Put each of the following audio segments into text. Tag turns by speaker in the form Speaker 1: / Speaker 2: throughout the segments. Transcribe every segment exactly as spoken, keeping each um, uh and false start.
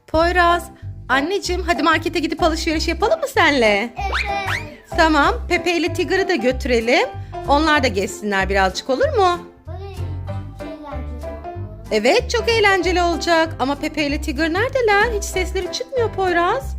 Speaker 1: Poyraz, anneciğim hadi markete gidip alışveriş yapalım mı senle?
Speaker 2: Evet.
Speaker 1: Tamam, Pepe ile Tigger'ı da götürelim. Onlar da gezsinler birazcık, olur mu? Evet, çok eğlenceli olacak. Ama Pepe ile Tigger neredeler? Hiç sesleri çıkmıyor Poyraz.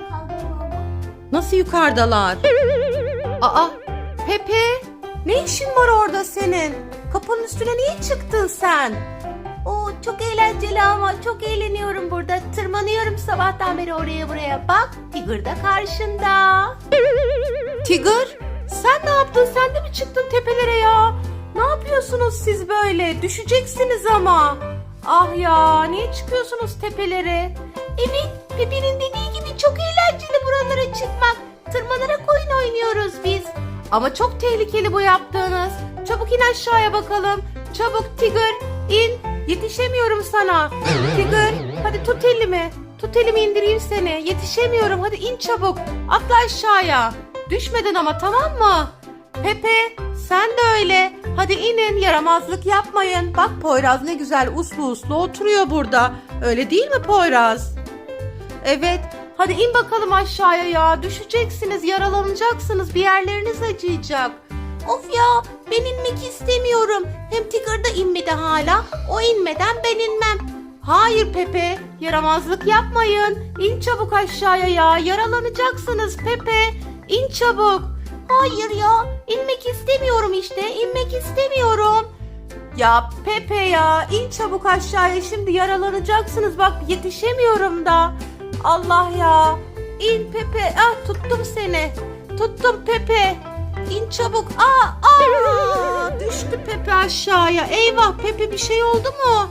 Speaker 1: Nasıl yukarıdalar? Aa, Pepe, ne işin var orada senin? Kapının üstüne niye çıktın sen?
Speaker 2: Oo, çok eğlenceli ama çok eğleniyorum burada. Tırmanıyorum sabahtan beri oraya buraya. Bak, Tigger da karşında.
Speaker 1: Tigger, sen ne yaptın? Sen de mi çıktın tepelere ya? Ne yapıyorsunuz siz böyle? Düşeceksiniz ama. Ah ya, niye çıkıyorsunuz tepelere?
Speaker 2: Evet, Pepe'nin dediği gibi çok eğlenceli buralara çıkmak. Tırmanarak oyun oynuyoruz biz.
Speaker 1: Ama çok tehlikeli bu yaptığınız. Çabuk in aşağıya bakalım. Çabuk Tigger, in. Yetişemiyorum sana. Tigger, hadi tut elimi. Tut elimi, indireyim seni. Yetişemiyorum. Hadi in çabuk. Atla aşağıya. Düşmeden ama, tamam mı? Pepe, sen de öyle. Hadi inin, yaramazlık yapmayın. Bak Poyraz ne güzel uslu uslu oturuyor burada. Öyle değil mi Poyraz? Evet. Hadi in bakalım aşağıya ya. Düşeceksiniz, yaralanacaksınız. Bir yerleriniz acıyacak.
Speaker 2: Of ya, ben inmek istemiyorum. Hem Tigger da inmedi hala. O inmeden ben inmem.
Speaker 1: Hayır Pepe, yaramazlık yapmayın. İn çabuk aşağıya ya. Yaralanacaksınız Pepe. İn çabuk.
Speaker 2: Hayır ya, inmek istemiyorum işte. İnmek istemiyorum.
Speaker 1: Ya Pepe ya, in çabuk aşağıya. Şimdi yaralanacaksınız. Bak yetişemiyorum da. Allah ya. İn Pepe. Ah, tuttum seni. Tuttum Pepe. İn çabuk. Aa, aa, düştü Pepe aşağıya. Eyvah Pepe, bir şey oldu mu?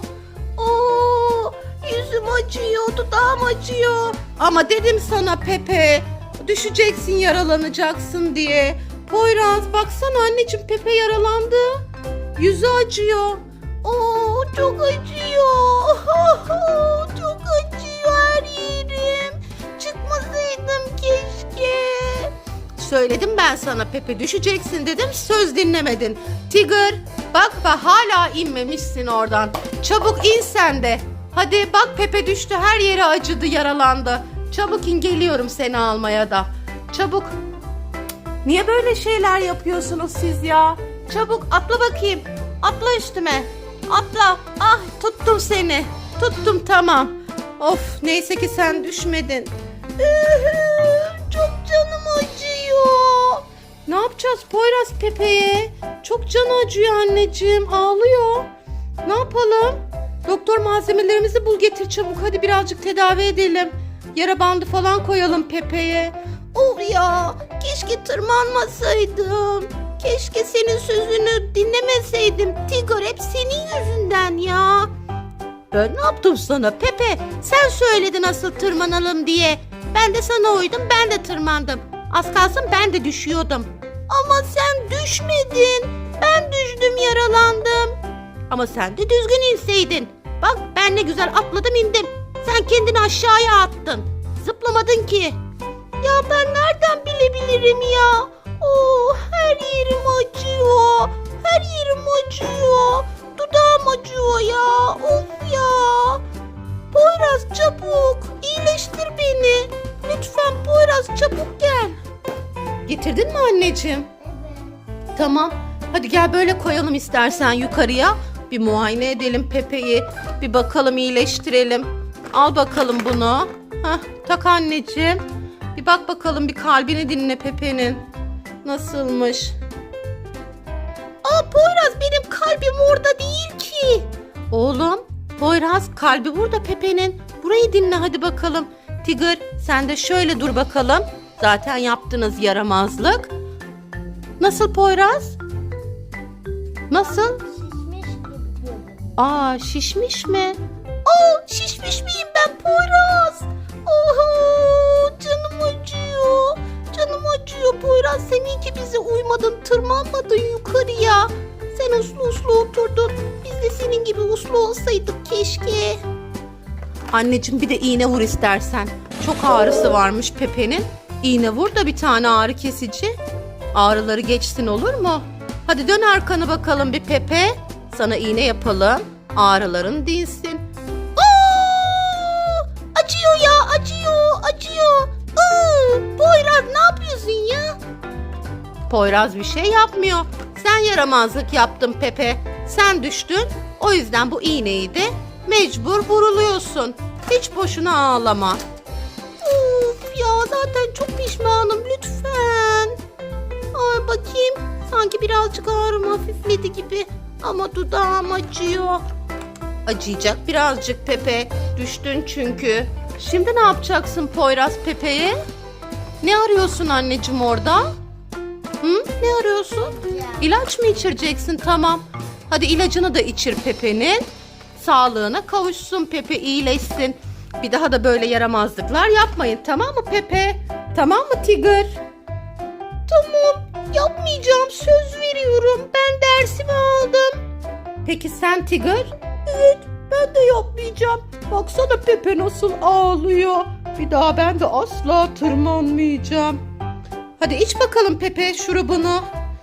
Speaker 2: Oo, yüzüm acıyor, dudağım acıyor.
Speaker 1: Ama dedim sana Pepe, düşeceksin, yaralanacaksın diye. Poyraz baksana anneciğim, Pepe yaralandı. Yüzü acıyor.
Speaker 2: Oo, çok acıyor. Çok acıyor her yerim. Çıkmasaydım keşke.
Speaker 1: Söyledim ben sana Pepe, düşeceksin dedim, söz dinlemedin. Tigger bak bak, hala inmemişsin oradan. Çabuk in sen de. Hadi bak, Pepe düştü, her yeri acıdı, yaralandı. Çabuk in, geliyorum seni almaya da. Çabuk. Niye böyle şeyler yapıyorsunuz siz ya? Çabuk atla bakayım. Atla üstüme. Atla. Ah, tuttum seni. Tuttum, tamam. Of, neyse ki sen düşmedin.
Speaker 2: Çok canım acıyor.
Speaker 1: Ne yapacağız Poyraz Pepe'ye? Çok canı acıyor anneciğim. Ağlıyor. Ne yapalım? Doktor, malzemelerimizi bul getir çabuk. Hadi birazcık tedavi edelim. Yara bandı falan koyalım Pepe'ye.
Speaker 2: Of ya, keşke tırmanmasaydım. Keşke senin sözünü dinlemeseydim. Tigger, hep senin yüzünden ya.
Speaker 1: Ben ne yaptım sana Pepe? Sen söyledin asıl tırmanalım diye. Ben de sana uydum, ben de tırmandım. Az kalsın ben de düşüyordum.
Speaker 2: Ama sen düşmedin. Ben düştüm, yaralandım.
Speaker 1: Ama sen de düzgün inseydin. Bak ben ne güzel atladım, indim. Sen kendini aşağıya attın. Zıplamadın ki.
Speaker 2: Ya ben nereden bilebilirim ya? Oo, her yerim acıyor. Her yerim acıyor. Dudağım acıyor ya. Of ya. Poyraz çabuk. İyileştir beni. Lütfen Poyraz, çabuk gel.
Speaker 1: Getirdin mi anneciğim?
Speaker 2: Evet.
Speaker 1: Tamam. Hadi gel böyle koyalım istersen yukarıya. Bir muayene edelim Pepe'yi. Bir bakalım, iyileştirelim. Al bakalım bunu. Hah, tak anneciğim. Bir bak bakalım, bir kalbini dinle Pepe'nin. Nasılmış?
Speaker 2: Aa Poyraz, benim kalbim orada değil ki.
Speaker 1: Oğlum, Poyraz, kalbi burada Pepe'nin. Burayı dinle hadi bakalım. Tigger, sen de şöyle dur bakalım. Zaten yaptınız yaramazlık. Nasıl Poyraz? Nasıl?
Speaker 2: Şişmiş gibi.
Speaker 1: Aa, şişmiş mi?
Speaker 2: Aa, şişmiş miyim ben Poyraz? Oho, canım acıyor. Canım acıyor Poyraz. Sen iyi ki bize uymadın, tırmanmadın yukarıya. Sen uslu uslu oturdun. Biz de senin gibi uslu olsaydık keşke.
Speaker 1: Anneciğim, bir de iğne vur istersen. Çok ağrısı varmış Pepe'nin. İğne vur da bir tane ağrı kesici. Ağrıları geçsin, olur mu? Hadi dön arkanı bakalım bir Pepe. Sana iğne yapalım. Ağrıların dinsin.
Speaker 2: Aa, acıyor
Speaker 1: Poyraz bir şey yapmıyor. Sen yaramazlık yaptın Pepe. Sen düştün. O yüzden bu iğneyi de mecbur vuruluyorsun. Hiç boşuna ağlama.
Speaker 2: Of ya, zaten çok pişmanım, lütfen. Ay bakayım, sanki birazcık ağrım hafifledi gibi. Ama dudağım acıyor.
Speaker 1: Acıyacak birazcık Pepe. Düştün çünkü. Şimdi ne yapacaksın Poyraz Pepe'ye? Ne arıyorsun anneciğim orada? Hı? Ne arıyorsun? İlaç mı içireceksin? Tamam. Hadi ilacını da içir Pepe'nin. Sağlığına kavuşsun Pepe, iyileşsin. Bir daha da böyle yaramazlıklar yapmayın, tamam mı Pepe? Tamam mı Tigger?
Speaker 2: Tamam, yapmayacağım, söz veriyorum. Ben dersimi aldım.
Speaker 1: Peki sen Tigger?
Speaker 2: Evet, ben de yapmayacağım.
Speaker 1: Baksana Pepe nasıl ağlıyor. Bir daha ben de asla tırmanmayacağım. Hadi iç bakalım Pepe şurubunu.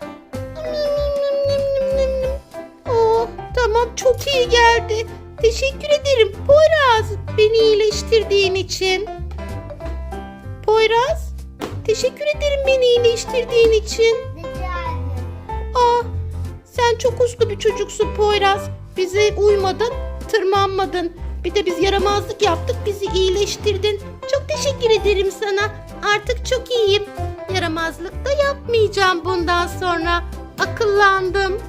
Speaker 2: Oh, tamam, çok iyi geldi. Teşekkür ederim Poyraz, beni iyileştirdiğin için. Poyraz, teşekkür ederim beni iyileştirdiğin için. Ah, sen çok uslu bir çocuksun Poyraz. Bize uymadın, tırmanmadın. Bir de biz yaramazlık yaptık, bizi iyileştirdin. Çok teşekkür ederim sana. Artık çok iyiyim. Yaramazlık da yapmayacağım bundan sonra. Akıllandım.